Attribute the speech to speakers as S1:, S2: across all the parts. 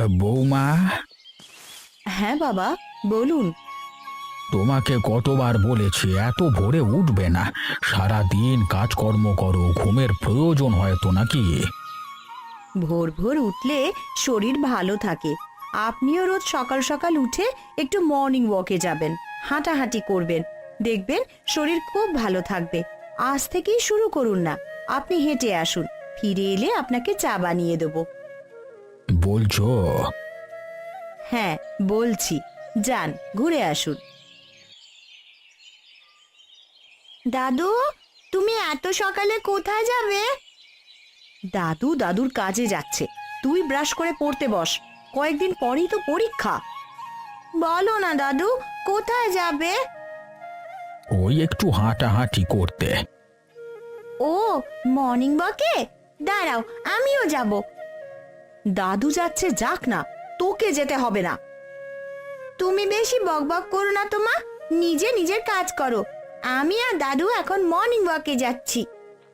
S1: বৌমা,
S2: হ্যাঁ বাবা, বলুন।
S1: তোমাকে কতবার বলেছি এত ভোরে উঠবে না। সারা দিন কাজকর্ম করো, ঘুমের প্রয়োজন হয় তো নাকি?
S2: ভোর ভোর উঠলে শরীর ভালো থাকে। আপনিও রোজ সকাল সকাল উঠে একটু মর্নিং ওয়াকে যাবেন, হাঁটাহাঁটি করবেন, দেখবেন শরীর খুব ভালো থাকবে। আজ থেকেই শুরু করুন না। আপনি হেঁটে আসুন, ফিরে এলে আপনাকে চা বানিয়ে দেবো।
S1: বলছো?
S2: হ্যাঁ বলছি, যান ঘুরে আসুন। দাদু, তুমি এত সকালে কোথায় যাবে? দাদু দাদুর কাজে যাচ্ছে। তুই ব্রাশ করে পড়তে বস, কয়েকদিন পরেই তো পরীক্ষা। বলো না দাদু, কোথায় যাবে?
S1: ওই একটু হাঁটাহাঁটি করতে।
S2: ও, মর্নিং ওয়াকে? দাঁড়াও, আমিও যাব। দাদু যাচ্ছে, যাক না, তোকে যেতে হবে না। তুমি বেশি বকবক করো না তো মা, নিজে নিজের কাজ করো। আমি আর দাদু এখন মর্নিং ওয়াকে যাচ্ছি।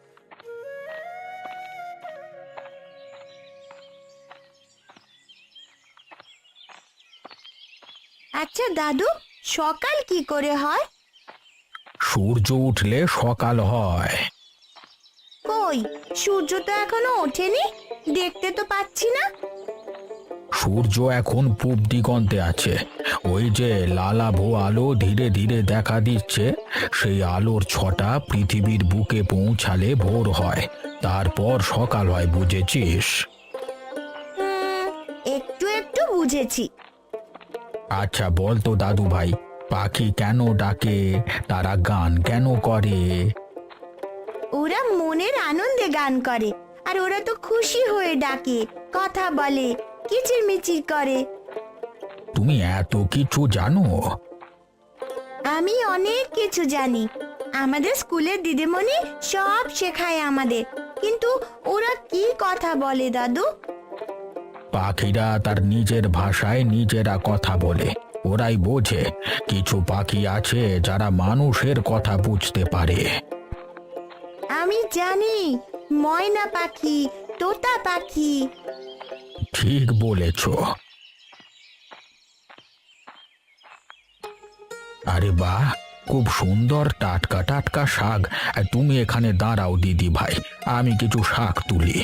S2: আচ্ছা দাদু, সকাল কি করে হয়?
S1: সূর্য উঠলে সকাল হয়।
S2: কই, সূর্য তো এখনো ওঠেনি, দেখতে তো পাচ্ছি না।
S1: সূর্য এখন পূব দিগন্তে আছে। ওই যে লালাভো আলো ধীরে ধীরে দেখা দিচ্ছে, সেই আলোর ছটা পৃথিবীর বুকে পৌঁছালে ভোর হয়, তারপর সকাল হয়, বুঝেছিস?
S2: একটু একটু বুঝেছি।
S1: আচ্ছা বল তো দাদু ভাই, পাখি কেন ডাকে, তারা গান কেন করে?
S2: ওরা মনের আনন্দে গান করে, আর ওরা তো খুশি হয়ে ডাকে, কথা বলে, কিচিরমিচির করে।
S1: তুমি এত কিছু জানো?
S2: আমি অনেক কিছু জানি। আমাদের স্কুলের দিদিমণি সব শেখায় আমাদের। কিন্তু ওরা কি কথা বলে দাদু?
S1: পাখিরা তার নিজের ভাষায় নিজেরা কথা বলে, ওরাই বোঝে। কিছু পাখি আছে যারা মানুষের কথা বুঝতে পারে।
S2: আমি জানি, ময়না পাখি, তোতা পাখি।
S1: ঠিক বলেছ। আরে বাহ, খুব সুন্দর টাটকা টাটকা শাক। তুমি এখানে দাঁড়াও দিদি ভাই, আমি কিছু শাক তুলি।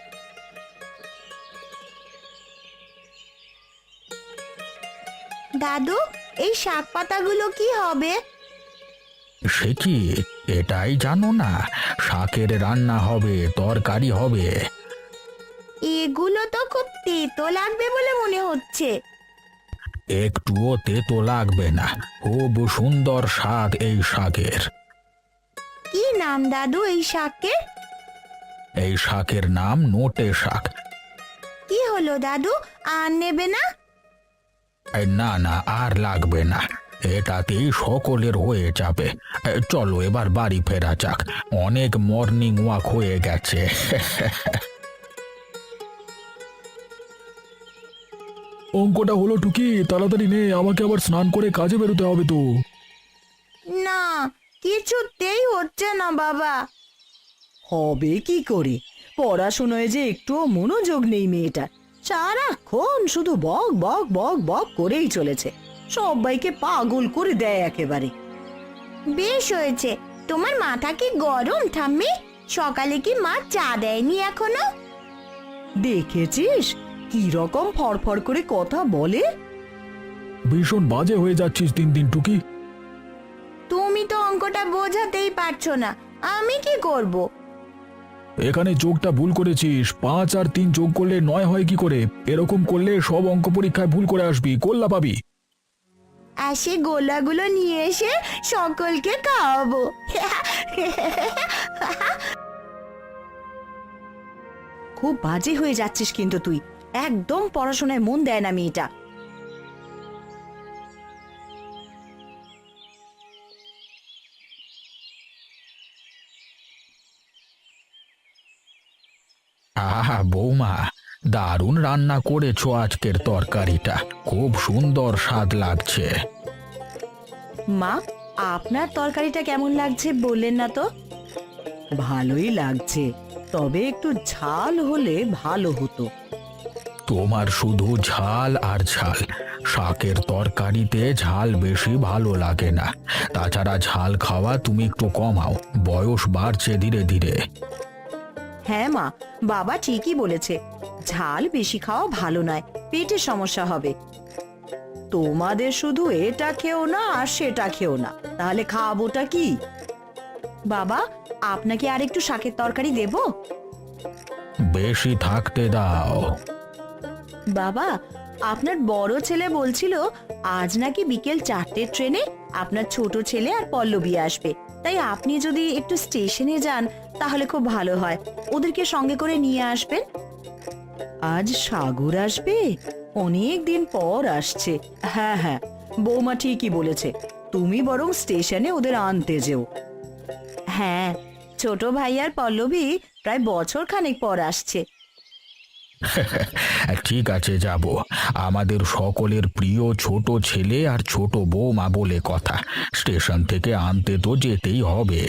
S2: দাদু, এই শাক পাতাগুলো কি হবে?
S1: সে কি, এটাই জানো না? শাকের রান্না হবে, তরকারি হবে।
S2: এগুলো তো খুব তেতো লাগবে বলে মনে হচ্ছে।
S1: একটুও তেতো লাগবে না, খুব সুন্দর স্বাদ এই শাকের।
S2: কি নাম দাদু এই শাকের?
S1: এই শাকের নাম নোটে শাক।
S2: কি হলো দাদু, আর নেবে না?
S1: না না, আর লাগবে না, এটাতেই সকলের হয়ে যাবে। চলো এবার বাড়ি ফেরা যাক, অনেক মর্নিং ওয়াক হয়ে গেছে।
S3: অঙ্কটা হলো টুকি, তাড়াতাড়ি নে, আমাকে আবার স্নান করে কাজে বেরোতে হবে তো।
S2: না, কিছুতেই হচ্ছে না বাবা।
S4: হবে কি করে? পড়াশোনায় যে একটুও মনোযোগ নেই মেয়েটার। সারাক্ষণ শুধু বক বক বক বক করেই চলেছে, সবাইকে পাগল করে দেয় একেবারে।
S2: বেশ হয়েছে। তোমার মাথা কি গরম ঠাম্মি? সকালে কি মা চা দেয়নি এখনো?
S4: দেখেছিস কি রকম ফড়ফড় করে কথা বলে?
S3: ভীষণ বাজে হয়ে যাচ্ছিস দিন দিন টুকি।
S2: তুমি তো অঙ্কটা বোঝাতেই পারছো না, আমি কি করব?
S3: এখানে যোগটা ভুল করেছিস, 5 আর 3 যোগ করলে 9 হয় কি করে? এরকম করলে সব অঙ্ক পরীক্ষায় ভুল করে আসবি, গোল্লা পাবি।
S2: আর সে গোলাগুলো নিয়ে এসে সকলকে খাওয়াবো।
S4: খুব বাজে হয়ে যাচ্ছিস কিন্তু তুই, একদম পড়াশোনায় মন দেয় না মেয়েটা।
S1: আহা বৌমা, দারুণ রান্না করেছো আজকের তরকারিটা, খুব সুন্দর স্বাদ লাগছে।
S2: মা, আপনার তরকারিটা কেমন লাগছে বললেন না তো?
S4: ভালোই লাগছে, তবে একটু ঝাল হলে ভালো হতো।
S1: তোমার শুধু ঝাল আর ঝাল। শাকের তরকারিতে ঝাল বেশি ভালো লাগে না। তাছাড়া ঝাল খাওয়া তুমি একটু কমাও, বয়স বাড়ছে ধীরে ধীরে।
S2: হ্যাঁ মা, বাবা ঠিকই বলেছে, ঝাল বেশি খাওয়া ভালো নয়, পেটের সমস্যা হবে। তোমাদের শুধু এটা খেও না আর সেটা খেও না, তাহলে খাবোটা কি? বাবা, আপনাকে আর একটু শাকের তরকারি দেব?
S1: বেশি থাকতে দাও।
S2: বাবা, আপনার বড় ছেলে বলছিল আজ নাকি বিকেল 4টের ট্রেনে আপনার ছোট ছেলে আর পল্লবী আসবে, তাই আপনি যদি একটু স্টেশনে যান তাহলে খুব ভালো হয়, ওদেরকে সঙ্গে করে নিয়ে আসবেন। আজ সাগর আসবে? অনেক দিন পর আসছে। হ্যাঁ হ্যাঁ, বৌমা ঠিকই বলেছে, তুমি বরং স্টেশনে ওদের আনতে যেও। হ্যাঁ, ছোট ভাই আর পল্লবী প্রায় বছর খানেক পর আসছে।
S1: ঠিক আছে, যাব। আমাদের সকলের প্রিয় ছোট ছেলে আর ছোট বৌমা বলে কথা, স্টেশন থেকে আনতে তো যেতেই হবে।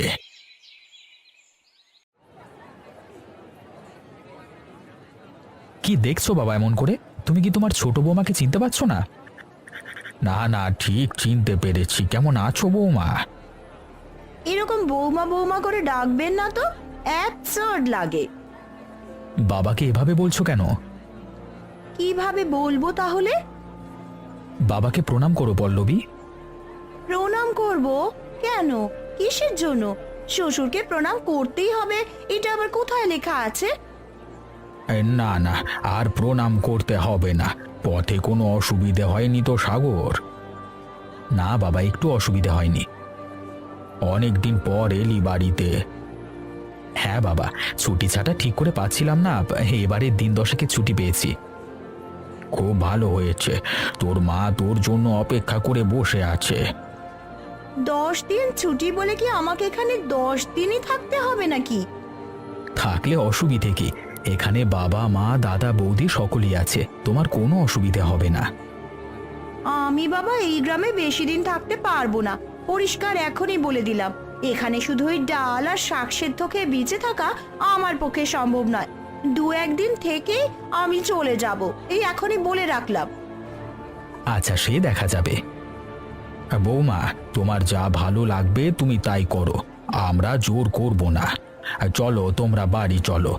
S3: কি দেখছো বাবা এমন করে? তুমি কি তোমার ছোট বৌমাকে চিনতে পারছো না?
S1: না না, ঠিক চিনতে পেরেছি। কেমন আছো বৌমা?
S2: এরকম বৌমা বৌমা করে ডাকবেন না তো, অ্যাবসার্ড লাগে।
S3: বাবাকে এভাবে বলছো কেন?
S2: কিভাবে বলবো তাহলে?
S3: বাবাকে প্রণাম করো পল্লবী।
S2: প্রণাম করব? কেন, কিসের জন্য? শ্বশুরকে প্রণাম করতেই হবে, এটা আবার কোথায় লেখা আছে?
S1: না না, আর প্রণাম করতে হবে না। পথে কোনো অসুবিধে হয়নি তো সাগর?
S3: না বাবা, একটু অসুবিধা হয়নি।
S1: অনেকদিন পর এলি বাড়িতে।
S3: হ্যাঁ বাবা, ছুটি ছাটা ঠিক করে পাচ্ছিলাম না, এবারে দিন 10 ছুটি পেয়েছি।
S1: খুব ভালো হয়েছে, তোর মা তোর জন্য অপেক্ষা করে বসে আছে।
S2: 10 দিন ছুটি বলে কি আমাকে এখানে 10 দিনই থাকতে হবে নাকি?
S3: থাকলে অসুবিধে কি? এখানে বাবা মা দাদা বৌদি সকলেই আছে, তোমার কোনো অসুবিধা হবে না।
S2: আমি বাবা এই গ্রামে বেশি দিন থাকতে পারবো না, পরিষ্কার এখনই বলে দিলাম। এখানে শুধু ওই ডাল আর শাক সেদ্ধ খেয়ে বেঁচে থাকা আমার পক্ষে সম্ভব নয়। 2-1 দিন থেকে আমি চলে যাব, এই এখনই বলে রাখলাম।
S3: আচ্ছা, সে দেখা যাবে।
S1: বৌমা, তোমার যা ভালো লাগবে তুমি তাই করো, আমরা জোর করব না। চলো, তোমরা বাড়ি চলো।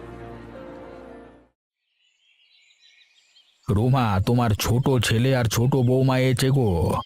S1: রুমা, তোমার ছোট ছেলে আর ছোট বৌমা এসে গো।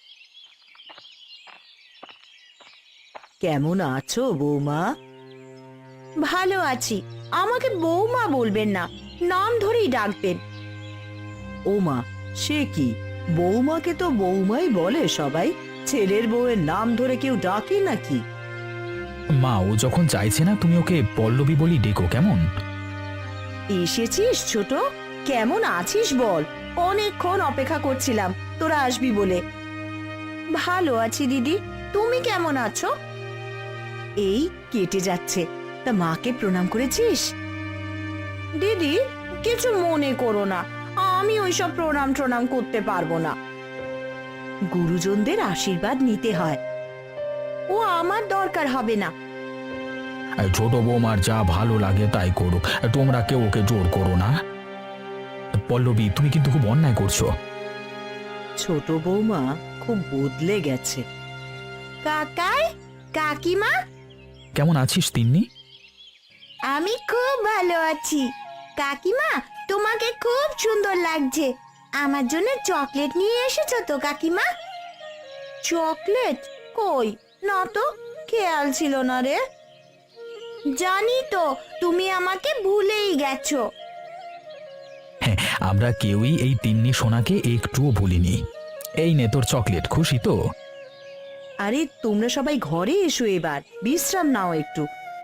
S4: কেমন আছো বৌমা?
S2: ভালো আছি। আমাকে বৌমা বলবেন না, নাম ধরেই ডাকবেন।
S4: ও মা, সে কি, বৌমাকে তো বৌমাই বলে সবাই, ছেলের বউয়ের নাম ধরে কেউ ডাকে নাকি?
S3: মা, ও যখন চাইছে না তুমি ওকে পল্লবী বলি ডেকো, কেমন?
S2: এসেছিস ছোট, কেমন আছিস বল? অনেকক্ষণ অপেক্ষা করছিলাম তোরা আসবি বলে। ভালো আছি দিদি, তুমি কেমন আছো? এই কেটে যাচ্ছে, তা মাকে প্রণাম করেছিস? দিদি, কিছু মনে করো না, আমি ওইসব প্রণাম করতে পারবো না। গুরুজনদের আশীর্বাদ নিতে হয়, ও আমার দরকার হবে না।
S1: ছোট বৌমার যা ভালো লাগে তাই করুক, তোমরা কেউ ওকে জোর করো না।
S3: পল্লবী, তুমি কিন্তু খুব অন্যায় করছো।
S4: ছোট বৌমা খুব বদলে গেছে।
S2: কাকাই, কাকিমা,
S3: কেমন আছিস তিন্নি?
S2: আমি খুব ভালো আছি। কাকিমা, তোমাকে খুব সুন্দর লাগছে। আমার জন্য চকলেট নিয়ে এসেছো তো কাকিমা? চকলেট? কই, না তো, খেয়াল ছিল না রে। জানি তো, তুমি আমাকে ভুলেই গেছো।
S3: হ্যাঁ, আমরা কেউই এই তিন্নি সোনাকে একটুও ভুলিনি। এই নে তোর চকলেট, খুশি তো?
S2: আরে তোমরা সবাই ঘরে এসো, এবার বিশ্রাম নাও একটু।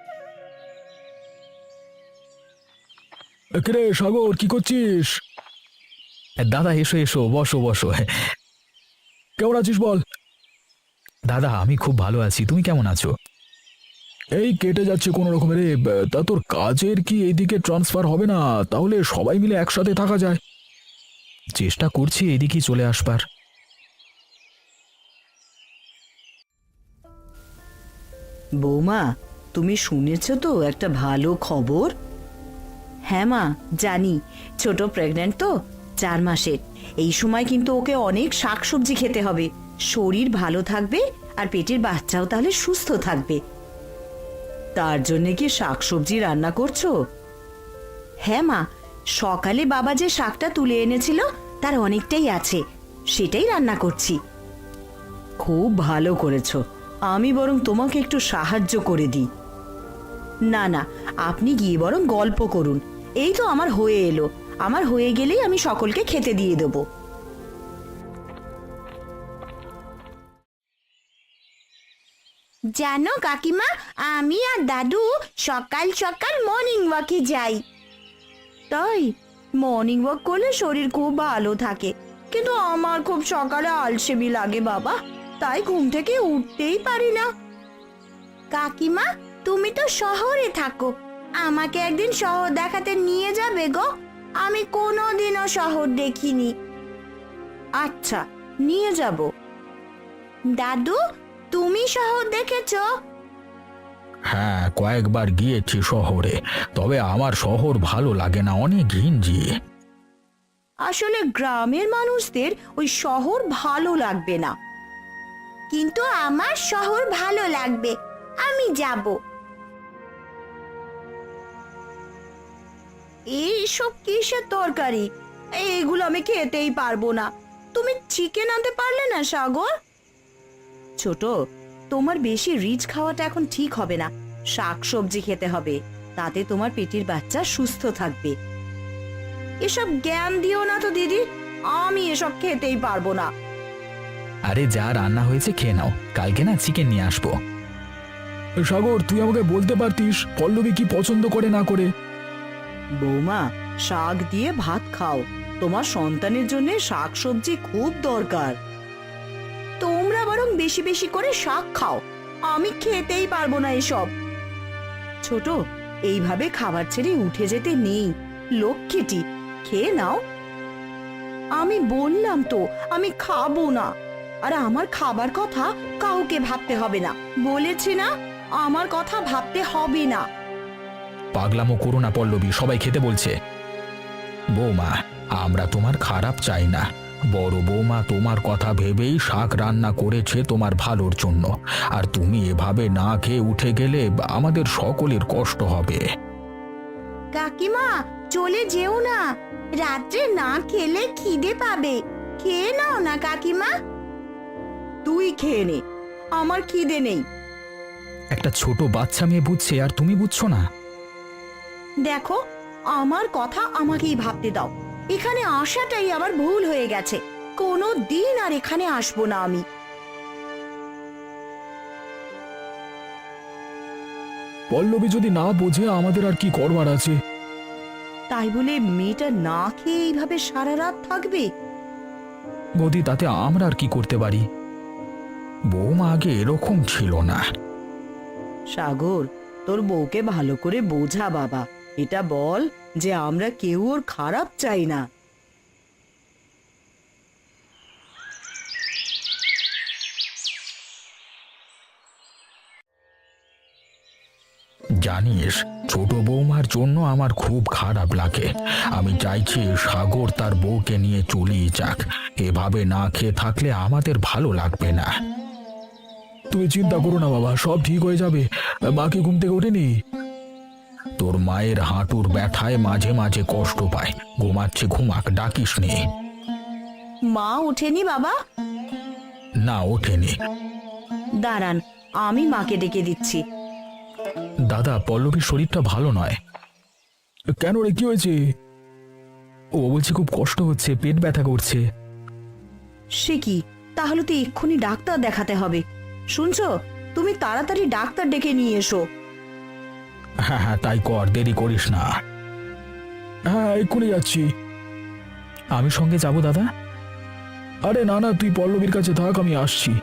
S3: রে সাগর, কি করছিস? দাদা এসো এসো, বসো বসো। কেমন আছিস বল? দাদা, আমি খুব ভালো আছি, তুমি কেমন আছো?
S1: এই কেটে যাচ্ছে কোনো রকমের। তা তোর কাজের কি এইদিকে ট্রান্সফার হবে না? তাহলে সবাই মিলে একসাথে থাকা যায়।
S3: চেষ্টা করছি এদিকেই চলে আসবার।
S4: বৌমা, তুমি শুনেছো তো একটা ভালো খবর?
S2: হ্যাঁ মা, জানি। ছোট প্রেগন্যান্ট তো, 4 মাসের। এই সময় কিন্তু ওকে অনেক শাকসবজি খেতে হবে। শরীর ভালো থাকবে আর পেটের বাচ্চাও তাহলে সুস্থ থাকবে।
S4: তার জন্য কি শাকসবজি রান্না করছো?
S2: হ্যাঁ মা, সকালে বাবা যে শাকটা তুলে এনেছিল তার অনেকটাই আছে, সেটাই রান্না করছি।
S4: খুব ভালো করেছো। আমি বরং তোমাকে একটু সাহায্য করে দিই।
S2: না না, আপনি গিয়ে বরং গল্প করুন। এই তো আমার হয়ে এলো, আমার হয়ে গেলেই আমি সকলকে খেতে দিয়ে দেবো।
S5: জানো কাকিমা, আমি আর দাদু সকাল সকাল মর্নিং ওয়াকে যাই।
S2: তাই মর্নিং ওয়াক করলে শরীর খুব ভালো থাকে, কিন্তু আমার খুব সকালে আলসেমি লাগে বাবা, তাই ঘুম থেকে উঠতেই পারি না।
S5: কাকিমা, তুমি তো শহরে থাকো, আমাকে একদিন শহর দেখাতে নিয়ে যাবে গো। আমি কোনোদিনও শহর দেখিনি।
S2: আচ্ছা, নিয়ে যাব।
S5: দাদু, তুমি শহর দেখেছো?
S1: হ্যাঁ, কয়েকবার গিয়েছি শহরে, তবে আমার শহর ভালো লাগে না, অনেক ঘিঞ্জি।
S2: আসলে গ্রামের মানুষদের ওই শহর ভালো লাগবে না।
S5: কিন্তু আমার শহর ভালো লাগবে, আমি যাব।
S2: এইসব কিসের তরকারি? এইগুলো আমি খেতেই পারবো না। তুমি চিকেন আনতে পারলে না সাগর? ছোট, তোমার বেশি রিচ খাওয়াটা এখন ঠিক হবে না। শাকসবজি খেতে হবে, তাতে তোমার পেটের বাচ্চা সুস্থ থাকবে। এসব জ্ঞান দিও না তো দিদি, আমি এসব খেতেই পারবো না।
S3: আরে যা রান্না হয়েছে খেয়ে নাও, কালকে না চিকেন নিয়ে আসবো।
S1: সাগর, তুই আমাকে বলতে পারতিস পল্লবী কি পছন্দ করে না করে?
S4: বৌমা, শাক দিয়ে ভাত খাও। তোমার সন্তানের জন্য শাকসবজি খুব দরকার।
S2: তোমরা বরং বেশি বেশি করে শাক খাও, আমি খেতেই পারবো না এসব। ছোট, এইভাবে খাবার ছেড়ে উঠে যেতে নেই, লক্ষ্মীটি খেয়ে নাও। আমি বললাম তো আমি খাবো না, আর আমার খাবার কথা কাউকে ভাবতে হবে না, বলেছি না? আমার কথা ভাবতে হবে না।
S1: পাগলামো করো না পল্লবী, সবাই খেতে বলছে। বৌমা, আমরা তোমার খারাপ চাই না, বড় বৌমা তোমার কথা ভেবেই শাক রান্না করেছে তোমার ভালোর জন্য, আর তুমি এভাবে না খেয়ে উঠে গেলে আমাদের সকলের কষ্ট হবে।
S5: কাকিমা, চলে যেও না, রাত্রে না খেলে খিদে পাবে। খেয়ে নাও না কাকিমা।
S2: তুই খেয়ে নে, আমার খিদে নেই।
S3: একটা ছোট বাচ্চা মেয়ে বুঝছে আর তুমি বুঝছো না?
S2: দেখো, আমার কথা আমাকেই ভাবতে দাও। এখানে আসাটাই আমার ভুল হয়ে গেছে, কোনো দিন আর এখানে আসবো না আমি।
S1: পল্লবী যদি না বোঝে আমাদের আর কি করবার আছে?
S2: তাই বলে মেয়েটা না খেয়ে এইভাবে সারা রাত থাকবে?
S1: বৌদি, তাতে আমরা আর কি করতে পারি? বৌমা আগে এরকম ছিল না।
S4: সাগর, তোর বউকে ভালো করে বোঝা বাবা। এটা বল যে আমরা কেউ ওর খারাপ চাই না।
S1: জানিস, ছোট বৌমার জন্য আমার খুব খারাপ লাগে। আমি চাইছি সাগর তার বউকে নিয়ে চলেই যাক, এভাবে না খেয়ে থাকলে আমাদের ভালো লাগবে না। তুমি চিন্তা করো না বাবা, সব ঠিক হয়ে যাবে। মাকে ঘুম থেকে ওঠেনি? তোর মায়ের হাঁটুর ব্যথায় মাঝে মাঝে কষ্ট পায়, ঘুমাচ্ছে, ঘুমাক, ডাকিস নি।
S2: মা ওঠেনি বাবা?
S1: না, ওঠেনি।
S2: দাঁড়ান, আমি মাকে ডেকে দিচ্ছি।
S1: দাদা, পল্লবীর শরীরটা ভালো নয়। কেন রে, কি হয়েছে?
S3: ও বলছে খুব কষ্ট হচ্ছে, পেট ব্যথা করছে।
S2: সে কি, তাহলে তো এক্ষুনি ডাক্তার দেখাতে হবে। শুনছো, তুমি তাড়াতাড়ি ডাক্তার ডেকে নিয়ে এসো।
S1: হ্যাঁ হ্যাঁ, তাই কর, দেরি করিস না। হ্যাঁ, এক্ষুনি যাচ্ছি।
S3: আমি সঙ্গে যাব দাদা?
S1: আরে না না, তুই পল্লবীর কাছে থাক, আমি আসছি।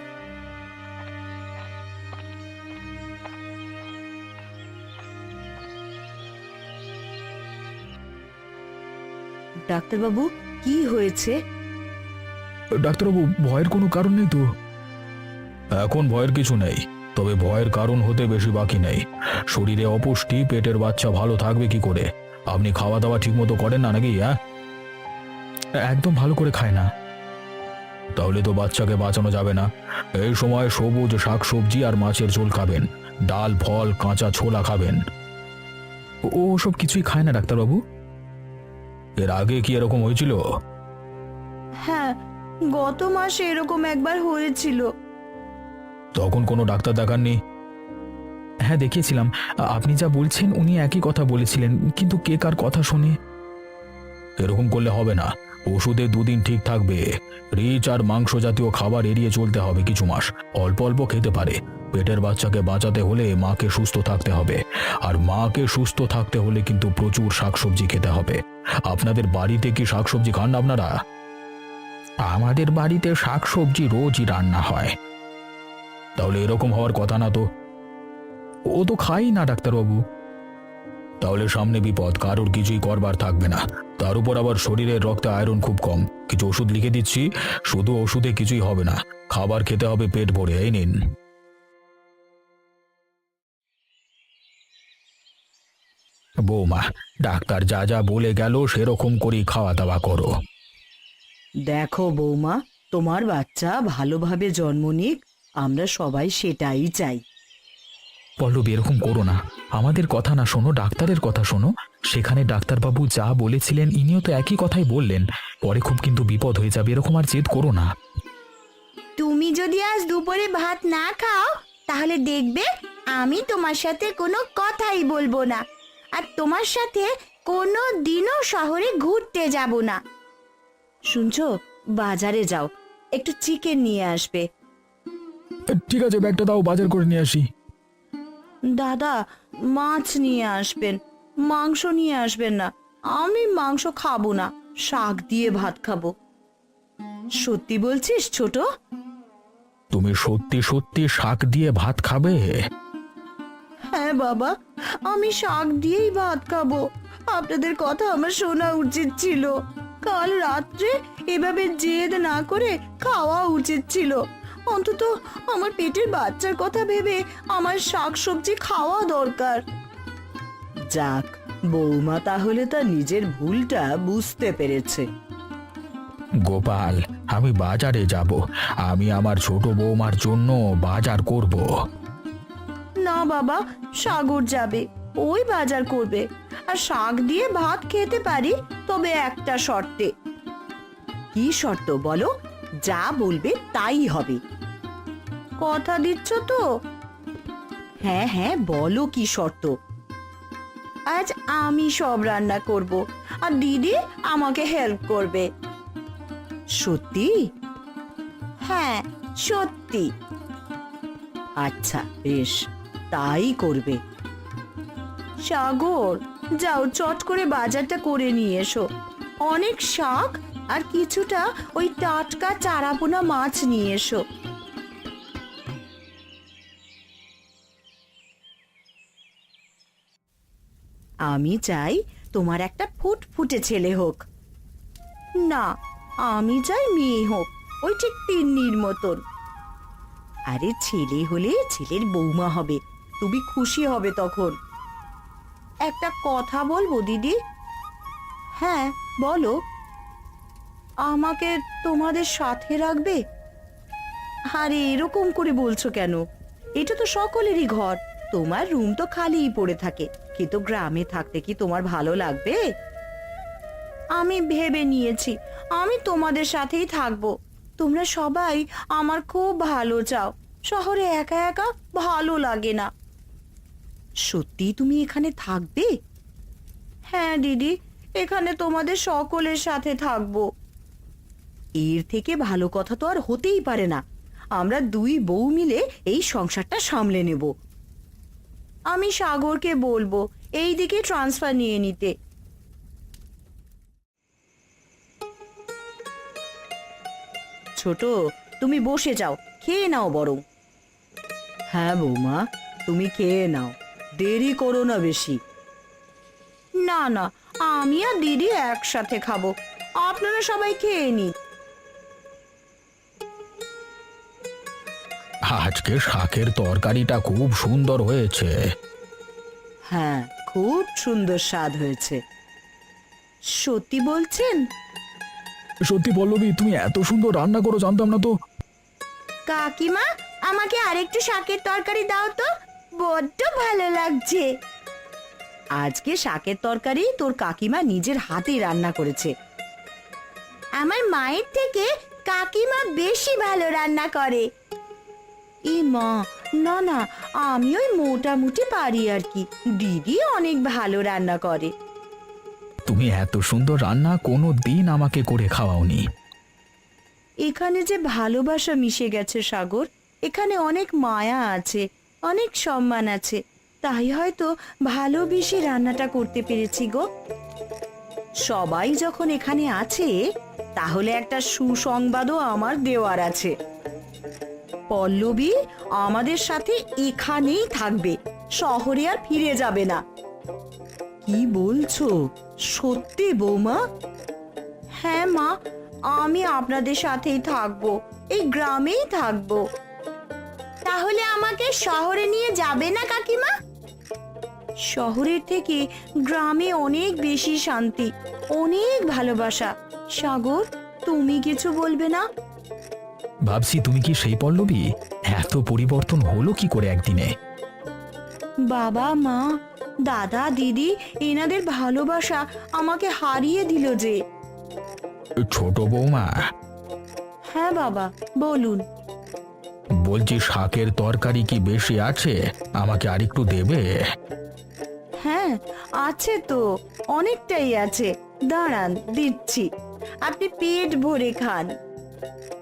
S2: ডাক্তারবাবু, কি হয়েছে?
S1: ডাক্তারবাবু, ভয়ের কোনো কারণ নেই তো? এখন ভয়ের কিছু নেই, তবে ভয়ের কারণ হতে বেশি বাকি নেই। শরীরে অপুষ্টি, পেটের বাচ্চা ভালো থাকবে কি করে? আপনি খাওয়া দাওয়া ঠিক মতো করেন না নাকি? হ্যাঁ,
S3: একদম ভালো করে খায় না।
S1: তাহলে তো বাচ্চাকে বাঁচানো যাবে না। এই সময় সবুজ শাকসবজি আর মাছের ঝোল খাবেন, ডাল ফল কাঁচা ছোলা খাবেন।
S3: ও সব কিছুই খায় না ডাক্তারবাবু।
S1: এর আগে কি এরকম হয়েছিল?
S2: হ্যাঁ, গত মাসে এরকম একবার হয়েছিল।
S1: তখন কোনো ডাক্তার দেখাননি?
S3: হ্যাঁ দেখিয়েছিলাম, আপনি যা বলছেন উনি একই কথা বলেছিলেন, কিন্তু কে কার কথা শোনে।
S1: এরকম করলে হবে না। ওষুধে 2 দিন ঠিক থাকবে। রিচ আর মাংস জাতীয় খাবার এড়িয়ে চলতে হবে কিছু মাস। অল্প অল্প খেতে পারে। পেটের বাচ্চাকে বাঁচাতে হলে মাকে সুস্থ থাকতে হবে, আর মাকে সুস্থ থাকতে হলে কিন্তু প্রচুর শাকসবজি খেতে হবে। আপনাদের বাড়িতে কি শাকসবজি খান না আপনারা?
S3: আমাদের বাড়িতে শাকসবজি রোজই রান্না হয়।
S1: তাহলে এরকম হওয়ার কথা না তো।
S3: ও তো খাই না ডাক্তারবাবু।
S1: তাহলে সামনে বিপদ, কারোর কিছুই করবার থাকবে না। তার উপর আবার শরীরের রক্তে আয়রন খুব কম। কিছু ওষুধ লিখে দিচ্ছি, শুধু ওষুধে কিছুই হবে না। খাবার খেতে হবে পেট ভরে। এই নিন। বৌমা, ডাক্তার যা যা বলে গেল সেরকম করেই খাওয়া দাওয়া করো।
S4: দেখো বৌমা, তোমার বাচ্চা ভালোভাবে জন্ম নিক, আমরা সবাই সেটাই চাই।
S3: পল্লবী এরকম করো না, আমাদের কথা না শোনো, ডাক্তারের কথা শোনো। সেখানে ডাক্তারবাবু যা বলেছিলেন ইনিও তো একই কথাই বললেন। পরে খুব কিন্তু বিপদ হয়ে যাবে, এরকম আর জেদ করো না।
S5: তুমি যদি আজ দুপুরে ভাত না খাও তাহলে দেখবে আমি তোমার সাথে কোনো কথাই বলবো না, আর তোমার সাথে কোনো দিনও শহরে ঘুরতে যাব না।
S2: শুনছো, বাজারে যাও, একটু চিকেন নিয়ে আসবে।
S1: ঠিক আছে, ব্যাগটা দাও, বাজার করে নিয়ে আসি।
S2: দাদা, মাছ নিয়ে আসবেন, মাংস নিয়ে আসবেন না। আমি মাংস খাবো না, শাক দিয়ে ভাত খাবো। সত্যি বলছিস ছোট?
S1: তুমি সত্যি সত্যি শাক দিয়ে ভাত খাবে?
S2: হ্যাঁ বাবা, আমি শাক দিয়েই ভাত খাবো। আপনাদের কথা আমার শোনা উচিত ছিল। কাল রাত্রে এভাবে জেদ না করে খাওয়া উচিত ছিল। অন্তত আমার পেটের বাচ্চার কথা ভেবে আমার শাকসবজি খাওয়া দরকার।
S4: যাক, বৌমা তাহলে তার নিজের ভুলটা বুঝতে পেরেছে।
S1: গোপাল, আমি বাজারে যাব। আমি আমার ছোট বৌমার জন্য বাজার করব।
S2: না বাবা, সাগর যাবে, ওই বাজার করবে। আর শাক দিয়ে ভাত খেতে পারি, তবে একটা শর্তে। কি শর্ত বলো? যা বলবে তাই হবে। কথা দিচ্ছ তো? হ্যাঁ হ্যাঁ, বলো কি শর্ত। আজ আমি সব রান্না করব, আর দিদি আমাকে হেল্প করবে। সত্যি?
S5: হ্যাঁ, সত্যি।
S4: আচ্ছা বেশ, তাই করবে।
S2: সাগর, যাও চট করে বাজারটা করে নিয়ে এসো। অনেক শাক আর কিছুটা ওই টাটকা চারাপোনা মাছ নিয়ে এসো। আমি চাই তোমার একটা ফুটফুটে ছেলে হোক। না, আমি চাই মেয়ে হোক, ওই ঠিক তিন্নির মতন। আরে ছেলে হলে ছেলের বৌমা হবে, তুমি খুশি হবে তখন। একটা কথা বলবো দিদি? হ্যাঁ বলো। আমাকে তোমাদের সাথে রাখবে? আরে এরকম করে বলছো কেন? এটা তো সকলেরই ঘর। তোমার রুম তো খালিই পড়ে থাকে, কিন্তু গ্রামে থাকতে কি তোমার ভালো লাগবে? আমি ভেবে নিয়েছি আমি তোমাদের সাথেই থাকবো। তোমরা সবাই আমার খুব ভালো চাও। শহরে একা একা ভালো লাগে না। সত্যি তুমি এখানে থাকবে? হ্যাঁ দিদি, এখানে তোমাদের সকলের সাথে থাকবো। এর থেকে ভালো কথা তো আর হতেই পারে না। আমরা দুই বউ মিলে এই সংসারটা সামলে নেব। আমি সাগরকে বলবো এই দিকে ট্রান্সফার নিয়ে নিতে। ছোট, তুমি বসে যাও, খেয়ে নাও বরং।
S4: হ্যাঁ বৌমা, তুমি খেয়ে নাও, দেরি করো না বেশি।
S2: না না, আমি আর দিদি একসাথে খাবো, আপনারা সবাই খেয়ে নিন।
S1: আজকে শাকের তরকারিটা খুব সুন্দর হয়েছে।
S4: হ্যাঁ, খুব সুন্দর স্বাদ হয়েছে।
S2: সত্যি বলছেন?
S3: সত্যি পল্লবী, তুমি এত সুন্দর রান্না করো জানতাম না তো।
S5: কাকিমা, আমাকে আরেকটু শাকের তরকারি দাও তো, বড্ড ভালো লাগছে।
S2: আজকে শাকের তরকারি তোর কাকিমা নিজের হাতেই রান্না করেছে।
S5: আমার মায়ের থেকে কাকিমা বেশি ভালো রান্না করে।
S2: ই মা, না না, আমি ওই মোটামুটি পারি আর কি। দিদি অনেক ভালো রান্না করে।
S3: তুমি এত সুন্দর রান্না কোনো দিন আমাকে করে খাওয়াওনি।
S2: এখানে যে ভালোবাসা মিশে গেছে সাগর, এখানে অনেক মায়া আছে, অনেক সম্মান আছে, তাই হয়তো ভালোবেসে রান্নাটা করতে পেরেছি গো। সবাই যখন এখানে আছে, তাহলে একটা সুসংবাদও আমার দেওয়ার আছে। পল্লবী আমাদের সাথে এখানেই থাকবে, শহরে আর ফিরে যাবে না। কি বলছো? সত্যি বৌমা? হ্যাঁ মা, আমি আপনাদের সাথেই থাকবো, এই গ্রামেই থাকবো।
S5: তাহলে আমাকে শহরে নিয়ে যাবে না কাকিমা?
S2: শহরের থেকে গ্রামে অনেক বেশি শান্তি, অনেক ভালোবাসা। সাগর, তুমি কিছু বলবে না?
S3: ভাবছি তুমি কি সেই পল্লবী? এত পরিবর্তন হলো কি করে একদিনে?
S2: বাবা মা, দাদা দিদি, এনাদের ভালোবাসা আমাকে হারিয়ে দিল যে।
S1: ছোট বৌমা,
S2: হ্যাঁ বাবা, বলুন।
S1: বলছি শাকের তরকারি কি বেশি আছে? আমাকে আরেকটু দেবে?
S2: হ্যাঁ আছে তো, অনেকটাই আছে, দাঁড়ান দিচ্ছি, আপনি পেট ভরে খান।